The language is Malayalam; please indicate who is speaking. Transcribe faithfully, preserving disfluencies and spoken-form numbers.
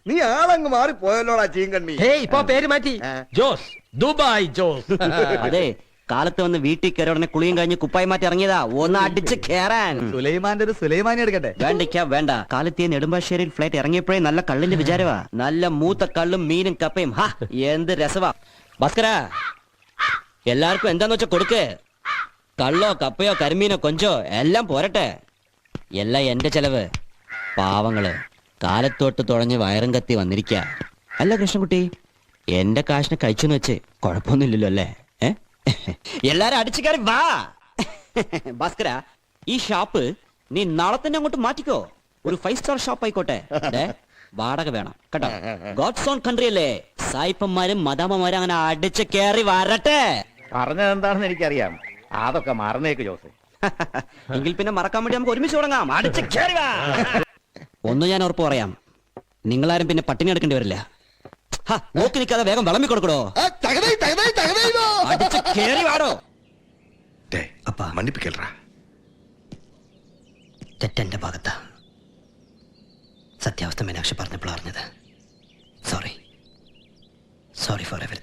Speaker 1: നീ ആളങ്ങ് മാറി പോയല്ലോടാ ചീങ്കണ്ണി.
Speaker 2: ഇപ്പൊ പേര് മാറ്റി ജോസ്, ദുബായ് ജോസ്.
Speaker 3: അതെ, കാലത്ത് വന്ന് വീട്ടിൽ കയറി ഉടനെ കുളിയും കഴിഞ്ഞ് കുപ്പായി മാറ്റി ഇറങ്ങിയതാ ഒന്ന് അടിച്ച് കേറാൻ.
Speaker 4: സുലൈമാന്റെ ഒരു സുലൈമാനി എടുക്കട്ടെ?
Speaker 3: വേണ്ടിക്ക വേണ്ട. കാലത്ത് നെടുമ്പാശ്ശേരിയിൽ ഫ്ലൈറ്റ് ഇറങ്ങിയപ്പോഴേ നല്ല കള്ളിന്റെ വിചാരവാ. നല്ല മൂത്ത കള്ളും മീനും കപ്പയും. ഹാ, എന്ത് രസവാ. ഭാസ്കര, എല്ലാവർക്കും എന്താന്ന് വെച്ചാ കൊടുക്ക്. കള്ളോ കപ്പയോ കരിമീനോ കൊഞ്ചോ എല്ലാം പോരട്ടെ. എല്ലാം എന്റെ ചെലവ്. പാവങ്ങള് കാലത്തോട്ട് തുഴഞ്ഞ് വയറും കത്തി വന്നിരിക്ക. അല്ല കൃഷ്ണൻകുട്ടി, എന്റെ കാശിനെ കഴിച്ചെന്ന് വെച്ച് കുഴപ്പമൊന്നുമില്ലല്ലോ അല്ലേ? എല്ലാരും അടിച്ചു കയറി വാ. ഭാസ്കര, ഈ ഷാപ്പ് നീ നാളെ തന്നെ അങ്ങോട്ട് മാറ്റിക്കോ. ഒരു ഫൈവ് സ്റ്റാർ ഷോപ്പ് ആയിക്കോട്ടെ. വാടക വേണം കേട്ടോ. ഗോഡ്സ് ഓൺ കൺട്രി അല്ലേ? സായിപ്പന്മാരും മദാമ്മമാരും അങ്ങനെ അടിച്ചു കയറി വരട്ടെ.
Speaker 5: പറഞ്ഞത് എന്താണെന്ന് എനിക്കറിയാം. അതൊക്കെ മറന്നേക്ക് ജോസ്.
Speaker 3: എങ്കിൽ പിന്നെ മറക്കാൻ വേണ്ടി നമുക്ക് ഒരുമിച്ച് തുടങ്ങാം. അടിച്ചു കയറി വാ. ഒന്ന് ഞാൻ ഉറപ്പ് പറയാം, നിങ്ങളാരും പിന്നെ പട്ടിണി എടുക്കേണ്ടി വരില്ല. നോക്കി നിൽക്കാതെ വേഗം വിളമ്പി കൊടുക്കടോ. അടിച്ചു കയറി വാടോ.
Speaker 1: മன்னிப்புകേൾറാ.
Speaker 3: തെറ്റെന്റെ ഭാഗത്താ. സത്യാവസ്ഥ മീനാക്ഷി പറഞ്ഞപ്പോൾ അറിഞ്ഞത്. Sorry sorry for everything.